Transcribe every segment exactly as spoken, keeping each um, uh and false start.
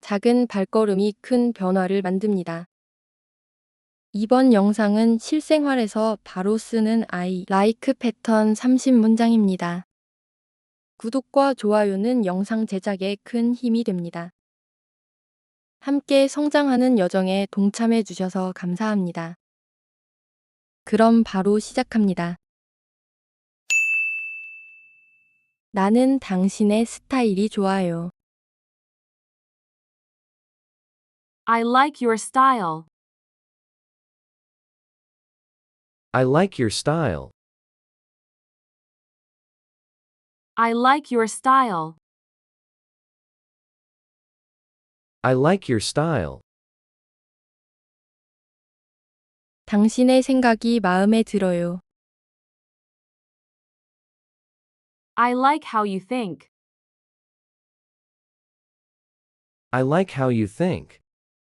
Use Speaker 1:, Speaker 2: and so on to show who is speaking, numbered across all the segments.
Speaker 1: 작은 발걸음이 큰 변화를 만듭니다. 이번 영상은 실생활에서 바로 쓰는 I like 패턴 삼십 문장입니다. 구독과 좋아요는 영상 제작에 큰 힘이 됩니다. 함께 성장하는 여정에 동참해 주셔서 감사합니다. 그럼 바로 시작합니다. 나는 당신의 스타일이 좋아요.
Speaker 2: I like your style.
Speaker 3: I like your style.
Speaker 2: I like your style.
Speaker 3: I like your style.
Speaker 1: 당신의 생각이 마음에 들어요.
Speaker 2: I like how you think.
Speaker 3: I like how you think.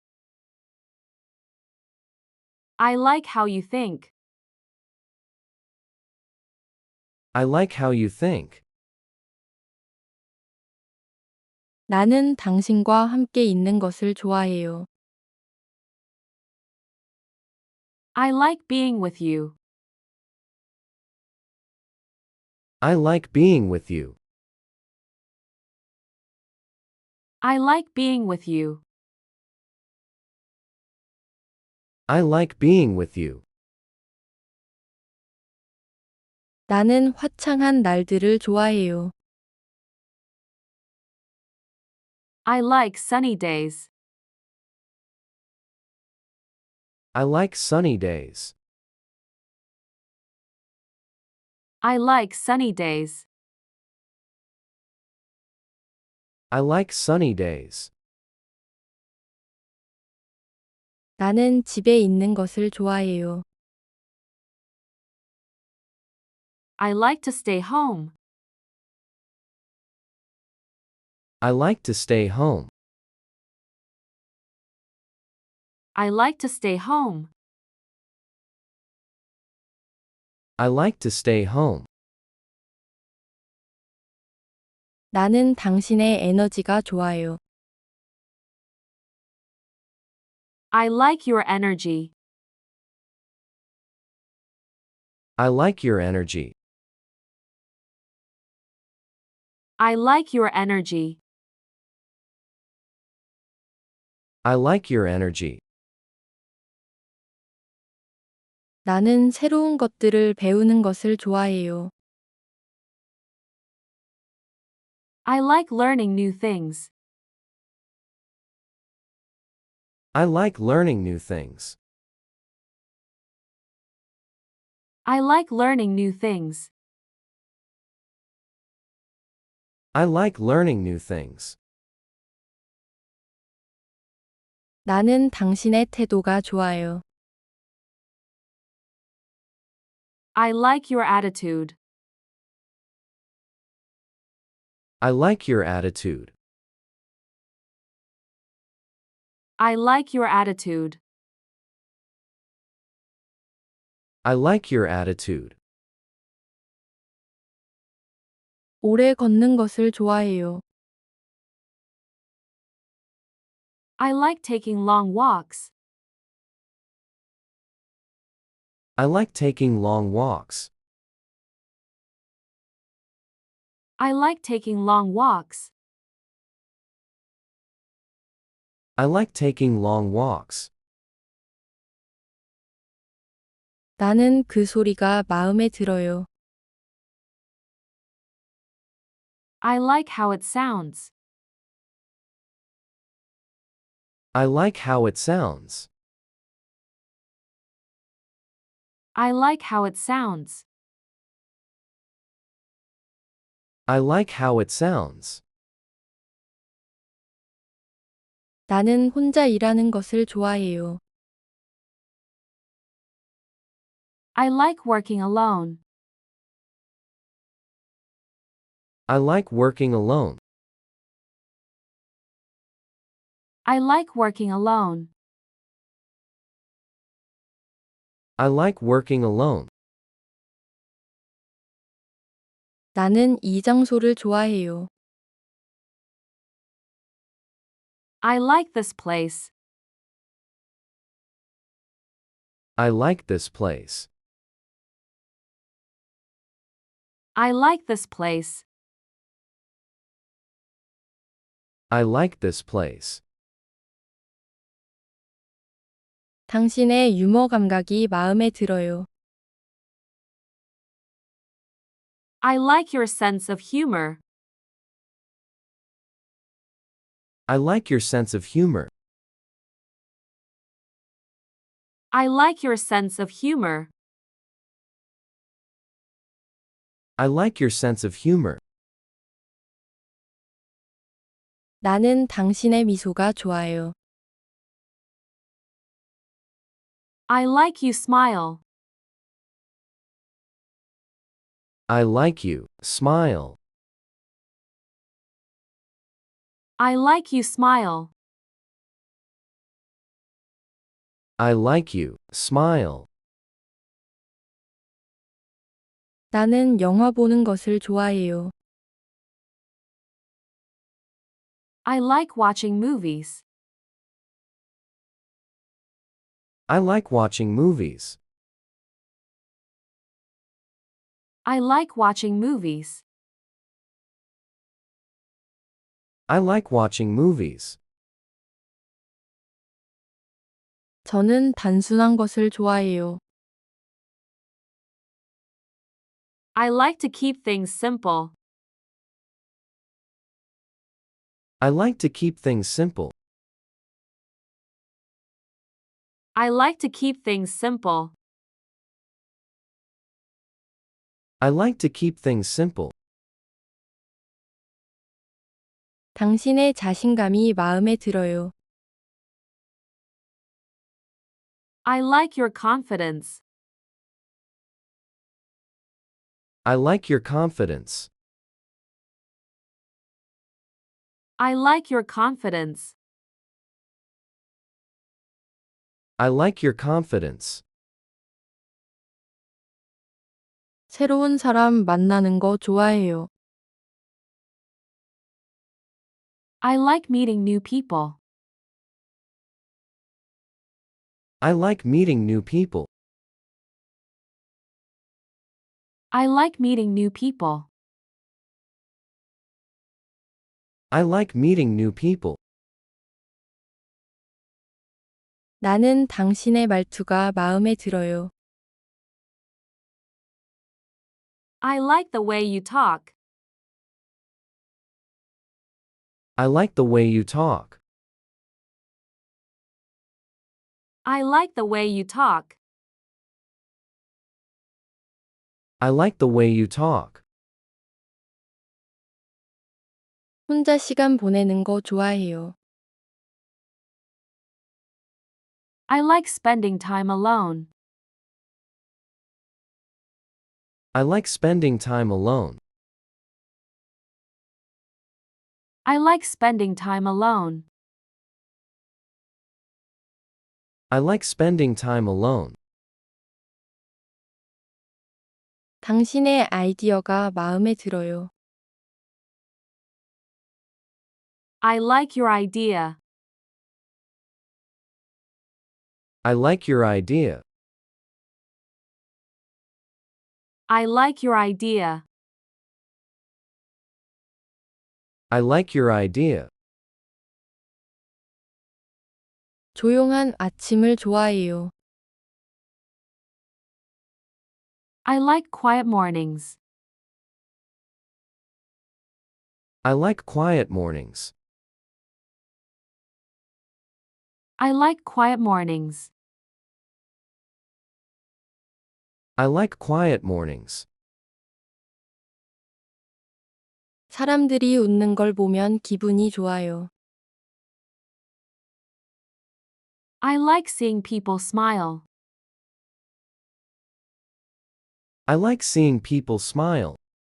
Speaker 2: I like how you think.
Speaker 3: I like how you think.
Speaker 1: 나는 당신과 함께 있는 것을 좋아해요.
Speaker 2: I like being with you.
Speaker 3: I like being with you.
Speaker 2: I like being with you.
Speaker 3: I like being with you.
Speaker 1: 나는 화창한 날들을 좋아해요.
Speaker 2: I like sunny days.
Speaker 3: I like sunny days.
Speaker 2: I like sunny days.
Speaker 3: I like sunny days.
Speaker 1: 나는 집에 있는 것을 좋아해요.
Speaker 2: I like to stay home.
Speaker 3: I like to stay home.
Speaker 2: I like to stay home.
Speaker 3: I like to stay home.
Speaker 1: 나는 당신의 에너지가 좋아요.
Speaker 2: I like your energy.
Speaker 3: I like your energy.
Speaker 2: I like your energy.
Speaker 3: I like your energy.
Speaker 1: 나는 새로운 것들을 배우는 것을 좋아해요.
Speaker 2: I like learning new things.
Speaker 3: I like learning new things.
Speaker 2: I like learning new things.
Speaker 3: I like learning new things.
Speaker 1: 나는 당신의 태도가 좋아요.
Speaker 2: I like your attitude.
Speaker 3: I like your attitude.
Speaker 2: I like your attitude.
Speaker 3: I like your attitude.
Speaker 1: 오래 걷는 것을 좋아해요.
Speaker 2: I like taking long walks.
Speaker 3: I like taking long walks.
Speaker 2: I like taking long walks.
Speaker 3: I like taking long walks.
Speaker 1: 나는 그 소리가 마음에 들어요.
Speaker 2: I like how it sounds.
Speaker 3: I like how it sounds.
Speaker 2: I like how it sounds.
Speaker 3: I like how it sounds.
Speaker 1: 나는 혼자 일하는 것을 좋아해요.
Speaker 2: I like working alone.
Speaker 3: I like working alone.
Speaker 2: I like working alone.
Speaker 3: I like working alone.
Speaker 1: 나는 이 장소를 좋아해요.
Speaker 2: I like this place.
Speaker 3: I like this place.
Speaker 2: I like this place.
Speaker 3: I like this place.
Speaker 1: 당신의 유머 감각이 마음에 들어요.
Speaker 2: I like your sense of humor.
Speaker 3: I like your sense of humor.
Speaker 2: I like your sense of humor.
Speaker 3: I like your sense of humor.
Speaker 1: 나는 당신의 미소가 좋아요.
Speaker 2: I like you smile.
Speaker 3: I like you. Smile.
Speaker 2: I like you smile.
Speaker 3: I like you. Smile.
Speaker 1: 나는 영화 보는 것을 좋아해요.
Speaker 2: I like watching movies.
Speaker 3: I like watching movies.
Speaker 2: I like watching movies.
Speaker 3: I like watching movies.
Speaker 1: 저는 단순한 것을 좋아해요.
Speaker 2: I like to keep things simple.
Speaker 3: I like to keep things simple.
Speaker 2: I like to keep things simple.
Speaker 3: I like to keep things simple.
Speaker 1: 당신의 자신감이 마음에 들어요.
Speaker 2: I like your confidence.
Speaker 3: I like your confidence.
Speaker 2: I like your confidence.
Speaker 3: I like your confidence.
Speaker 1: 새로운 사람 만나는 거 좋아해요.
Speaker 2: I like meeting new people.
Speaker 3: I like meeting new people.
Speaker 2: I like meeting new people.
Speaker 3: I like meeting new people.
Speaker 1: 나는 당신의 말투가 마음에 들어요.
Speaker 2: I like the way you talk.
Speaker 3: I like the way you talk.
Speaker 2: I like the way you talk.
Speaker 3: I like the way you talk.
Speaker 1: 혼자 시간 보내는 거 좋아해요.
Speaker 2: I like spending time alone.
Speaker 3: I like spending time alone.
Speaker 2: I like spending time alone.
Speaker 3: I like spending time alone.
Speaker 1: 당신의 아이디어가 마음에 들어요.
Speaker 2: I like your idea.
Speaker 3: I like your idea.
Speaker 2: I like your idea.
Speaker 3: I like your idea.
Speaker 1: 조용한 아침을 좋아해요.
Speaker 2: I like quiet mornings.
Speaker 3: I like quiet mornings.
Speaker 2: I like quiet mornings.
Speaker 3: I like quiet mornings.
Speaker 1: 사람들이 웃는 걸 보면 기분이 좋아요.
Speaker 2: I like seeing people smile.
Speaker 3: I like seeing people smile.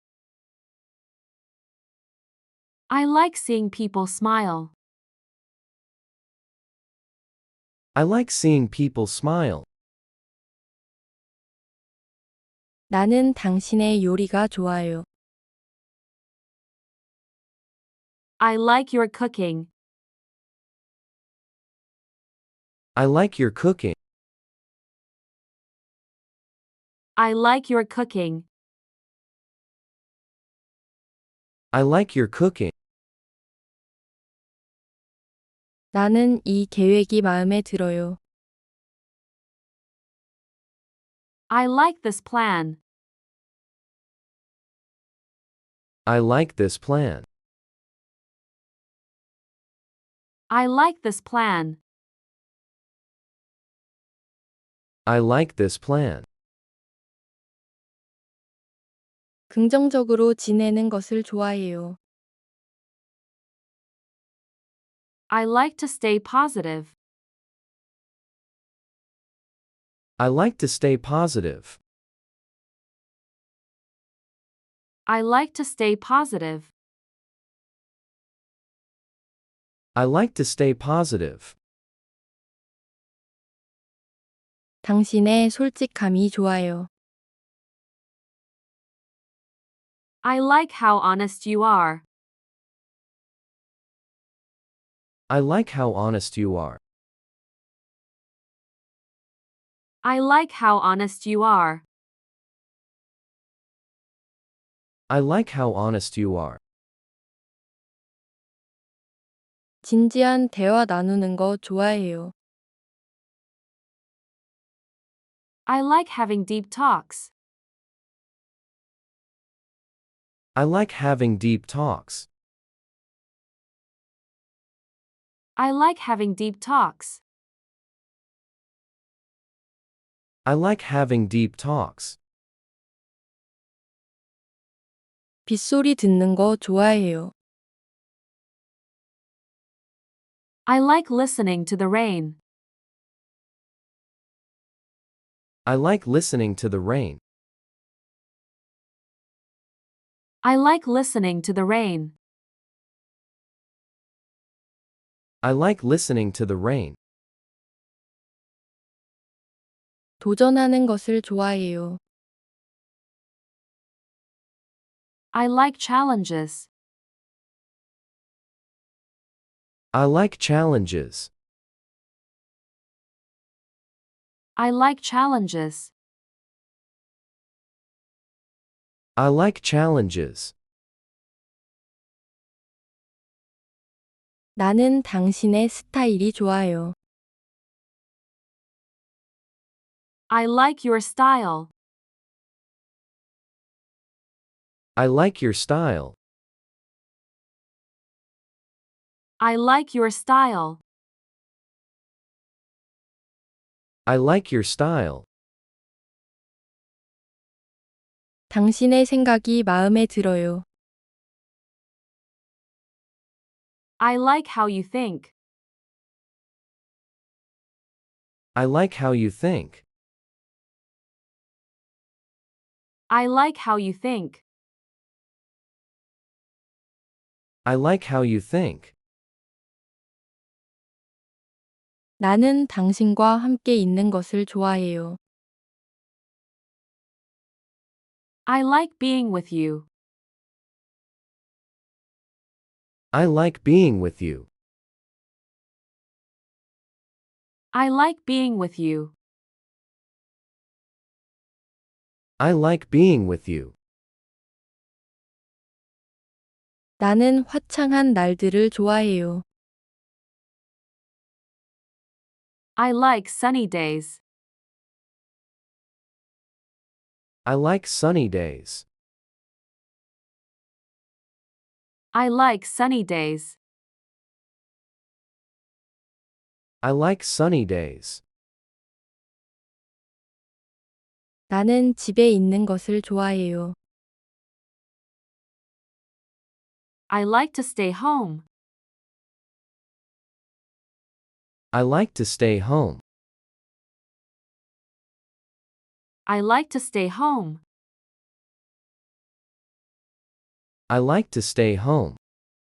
Speaker 2: I like seeing people smile.
Speaker 3: I like seeing people smile.
Speaker 1: 나는 당신의 요리가 좋아요.
Speaker 2: I like your cooking.
Speaker 3: I like your cooking.
Speaker 2: I like your cooking.
Speaker 3: I like your cooking.
Speaker 1: 나는 이 계획이 마음에 들어요.
Speaker 2: I like this plan.
Speaker 3: I like this plan.
Speaker 2: I like this plan.
Speaker 3: I like this plan.
Speaker 1: 긍정적으로 지내는 것을 좋아해요.
Speaker 2: I like to stay positive.
Speaker 3: I like to stay positive.
Speaker 2: I like to stay positive.
Speaker 3: I like to stay positive.
Speaker 1: 당신의 솔직함이 좋아요.
Speaker 2: I like how honest you are.
Speaker 3: I like how honest you are.
Speaker 2: I like how honest you are.
Speaker 3: I like how honest you are.
Speaker 1: 진지한 대화 나누는 거 좋아해요.
Speaker 2: I like having deep talks.
Speaker 3: I like having deep talks.
Speaker 2: I like having deep talks.
Speaker 3: I like having deep talks.
Speaker 1: 빗소리 듣는 거 좋아해요.
Speaker 2: I like listening to the rain.
Speaker 3: I like listening to the rain.
Speaker 2: I like listening to the rain.
Speaker 3: I like listening to the rain.
Speaker 1: 도전하는 것을 좋아해요.
Speaker 2: I like challenges.
Speaker 3: I like challenges.
Speaker 2: I like challenges.
Speaker 3: I like challenges.
Speaker 1: 나는 당신의 스타일이 좋아요.
Speaker 2: I like your style.
Speaker 3: I like your style.
Speaker 2: I like your style.
Speaker 3: I like your style.
Speaker 1: 당신의 생각이 마음에 들어요.
Speaker 2: I like how you think.
Speaker 3: I like how you think.
Speaker 2: I like how you think.
Speaker 3: I like how you think.
Speaker 1: 나는 당신과 함께 있는 것을 좋아해요.
Speaker 2: I like being with you.
Speaker 3: I like being with you.
Speaker 2: I like being with you.
Speaker 3: I like being with you.
Speaker 1: 나는 화창한 날들을 좋아해요.
Speaker 2: I like sunny days.
Speaker 3: I like sunny days.
Speaker 2: I like sunny days.
Speaker 3: I like sunny days.
Speaker 1: 나는 집에 있는 것을 좋아해요.
Speaker 2: I like to stay home.
Speaker 3: I like to stay home.
Speaker 2: I like to stay home.
Speaker 3: I like to stay home.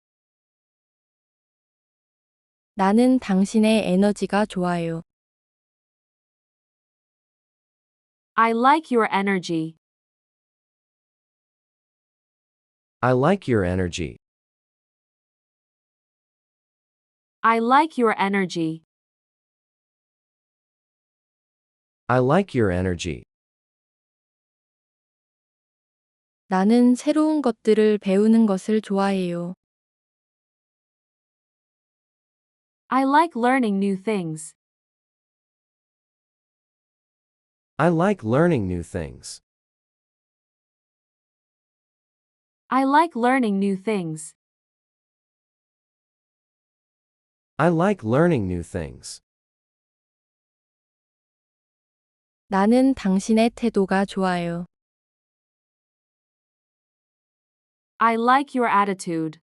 Speaker 1: 나는 당신의 에너지가 좋아요.
Speaker 2: I like your energy.
Speaker 3: I like your energy.
Speaker 2: I like your energy.
Speaker 3: I like your energy.
Speaker 1: 나는 새로운 것들을 배우는 것을 좋아해요.
Speaker 2: I like learning new things.
Speaker 3: I like learning new things.
Speaker 2: I like learning new things.
Speaker 3: I like learning new things.
Speaker 1: 나는 당신의 태도가 좋아요.
Speaker 2: I like your attitude.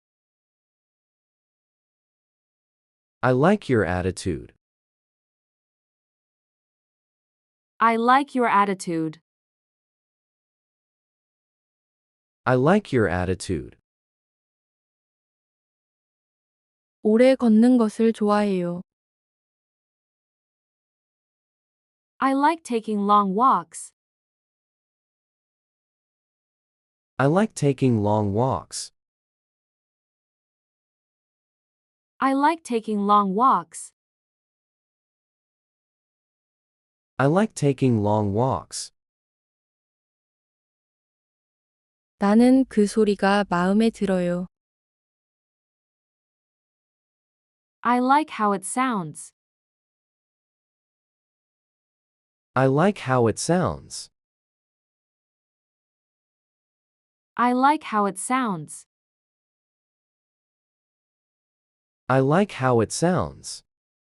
Speaker 3: I like your attitude.
Speaker 2: I like your attitude.
Speaker 3: I like your attitude.
Speaker 1: 오래 걷는 것을 좋아해요.
Speaker 2: I like taking long walks.
Speaker 3: I like taking long walks.
Speaker 2: I like taking long walks.
Speaker 3: I like taking long walks.
Speaker 1: 나는 그 소리가 마음에 들어요.
Speaker 2: I like how it sounds.
Speaker 3: I like how it sounds.
Speaker 2: I like how it sounds.
Speaker 3: I like how it sounds.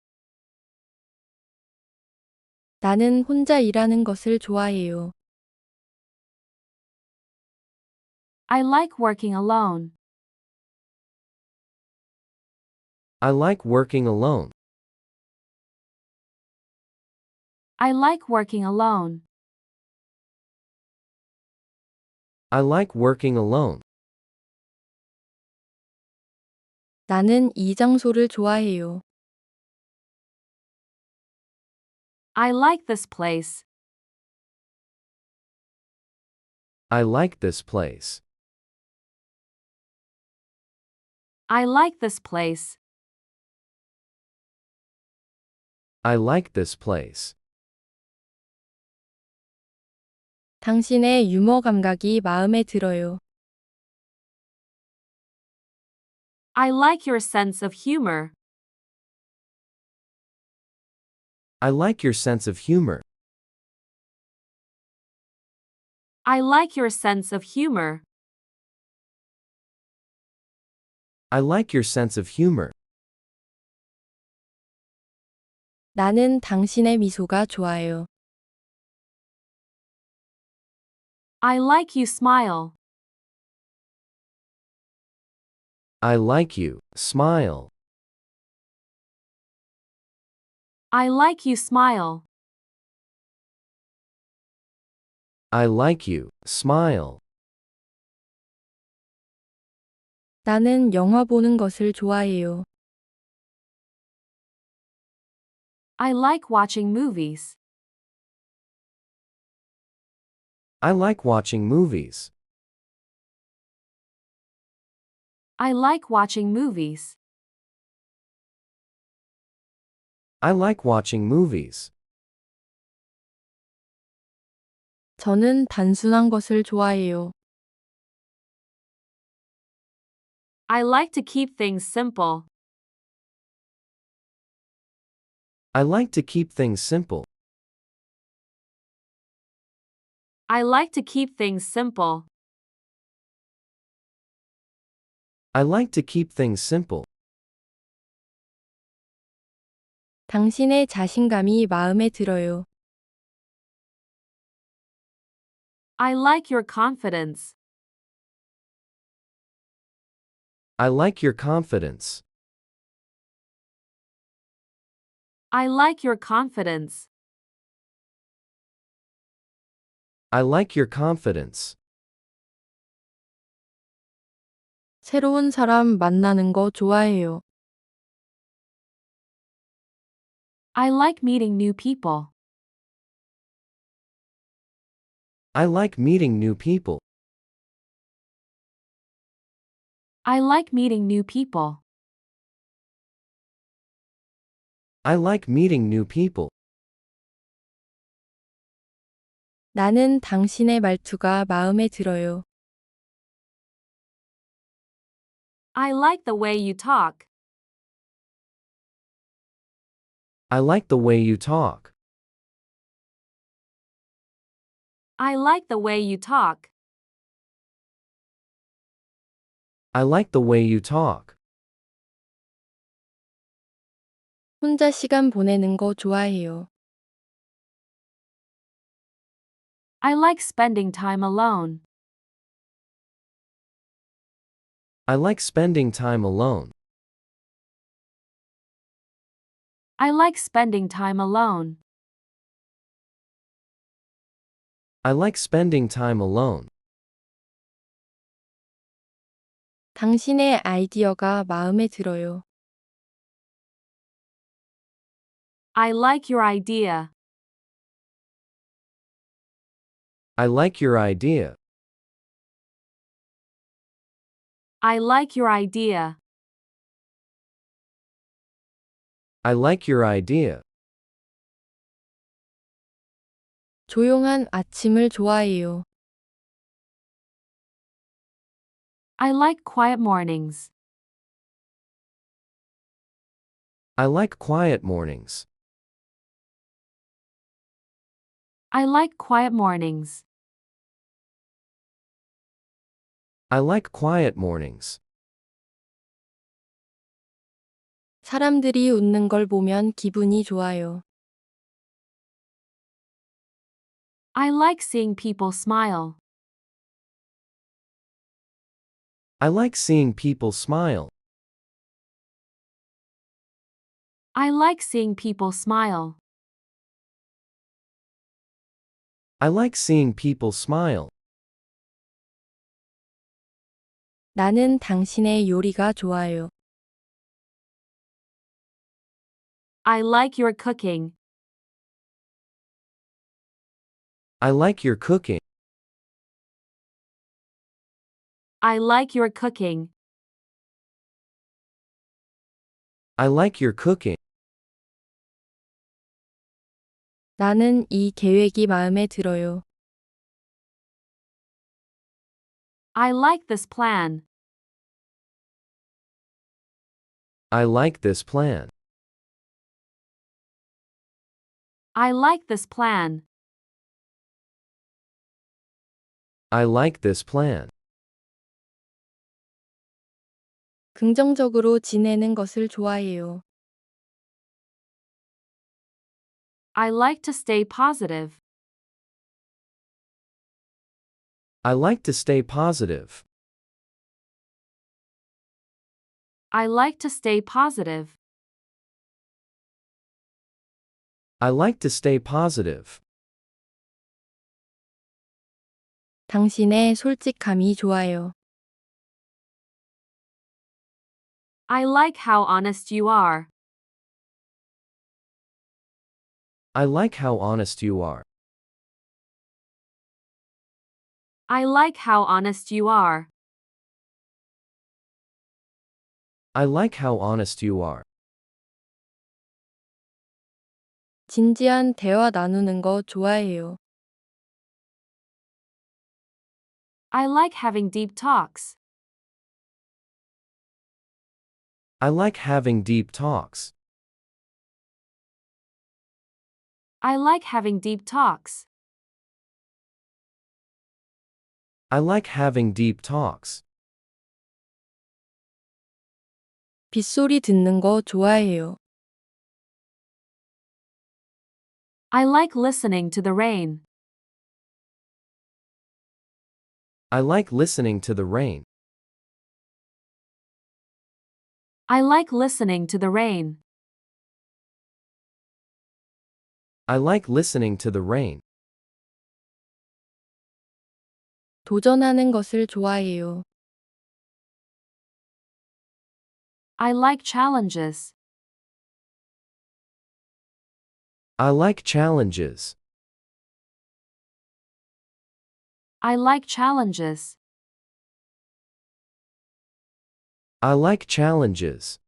Speaker 1: 나는 혼자 일하는 것을 좋아해요.
Speaker 2: I like working alone.
Speaker 3: I like working alone.
Speaker 2: I like working alone.
Speaker 3: I like working alone.
Speaker 1: 나는 이 장소를 좋아해요.
Speaker 2: I like this place.
Speaker 3: I like this place.
Speaker 2: I like this place.
Speaker 3: I like this place.
Speaker 1: 당신의 유머 감각이 마음에 들어요.
Speaker 2: I like your sense of humor.
Speaker 3: I like your sense of humor.
Speaker 2: I like your sense of humor.
Speaker 3: I like your sense of humor.
Speaker 1: 나는 당신의 미소가 좋아요.
Speaker 2: I like you smile.
Speaker 3: I like you. Smile.
Speaker 2: I like you smile.
Speaker 3: I like you. Smile.
Speaker 1: 나는 영화 보는 것을 좋아해요.
Speaker 2: I like watching movies.
Speaker 3: I like watching movies.
Speaker 2: I like watching movies.
Speaker 3: I like watching movies.
Speaker 1: 저는 단순한 것을 좋아해요.
Speaker 2: I like to keep things simple.
Speaker 3: I like to keep things simple.
Speaker 2: I like to keep things simple.
Speaker 3: I like to keep things simple.
Speaker 1: 당신의 자신감이 마음에 들어요.
Speaker 2: I like your confidence.
Speaker 3: I like your confidence.
Speaker 2: I like your confidence.
Speaker 3: I like your confidence.
Speaker 1: 새로운 사람 만나는 거 좋아해요.
Speaker 2: I like meeting new people.
Speaker 3: I like meeting new people.
Speaker 2: I like meeting new people.
Speaker 3: I like meeting new people.
Speaker 1: 나는 당신의 말투가 마음에 들어요.
Speaker 2: I like the way you talk.
Speaker 3: I like the way you talk.
Speaker 2: I like the way you talk.
Speaker 3: I like the way you talk.
Speaker 1: 혼자 시간 보내는 거 좋아해요.
Speaker 2: I like spending time alone.
Speaker 3: I like spending time alone.
Speaker 2: I like spending time alone.
Speaker 3: I like spending time alone.
Speaker 1: 당신의 아이디어가 마음에 들어요.
Speaker 2: I like your idea.
Speaker 3: I like your idea.
Speaker 2: I like your idea.
Speaker 3: I like your idea.
Speaker 1: 조용한 아침을 좋아해요.
Speaker 2: I like quiet mornings.
Speaker 3: I like quiet mornings.
Speaker 2: I like quiet mornings.
Speaker 3: I like quiet mornings.
Speaker 1: 사람들이 웃는 걸 보면 기분이 좋아요.
Speaker 2: I like seeing people smile.
Speaker 3: I like seeing people smile.
Speaker 2: I like seeing people smile.
Speaker 3: I like seeing people smile.
Speaker 1: 나는 당신의 요리가 좋아요.
Speaker 2: I like your cooking.
Speaker 3: I like your cooking.
Speaker 2: I like your cooking.
Speaker 3: I like your cooking.
Speaker 1: 나는 이 계획이 마음에 들어요.
Speaker 2: I like this plan.
Speaker 3: I like this plan.
Speaker 2: I like this plan.
Speaker 3: I like this plan.
Speaker 1: 긍정적으로 지내는 것을 좋아해요.
Speaker 2: I like to stay positive.
Speaker 3: I like to stay positive.
Speaker 2: I like to stay positive.
Speaker 3: I like to stay positive.
Speaker 1: 당신의 솔직함이 좋아요.
Speaker 2: I like how honest you are.
Speaker 3: I like how honest you are.
Speaker 2: I like how honest you are.
Speaker 3: I like how honest you are.
Speaker 1: 진지한 대화 나누는 거 좋아해요.
Speaker 2: I like having deep talks.
Speaker 3: I like having deep talks.
Speaker 2: I like having deep talks.
Speaker 3: I like having deep talks.
Speaker 1: 빗소리 듣는 거 좋아해요.
Speaker 2: I like listening to the rain.
Speaker 3: I like listening to the rain.
Speaker 2: I like listening to the rain.
Speaker 3: I like listening to the rain.
Speaker 1: 도전하는 것을 좋아해요.
Speaker 2: I like challenges.
Speaker 3: I like challenges.
Speaker 2: I like challenges.
Speaker 3: I like challenges.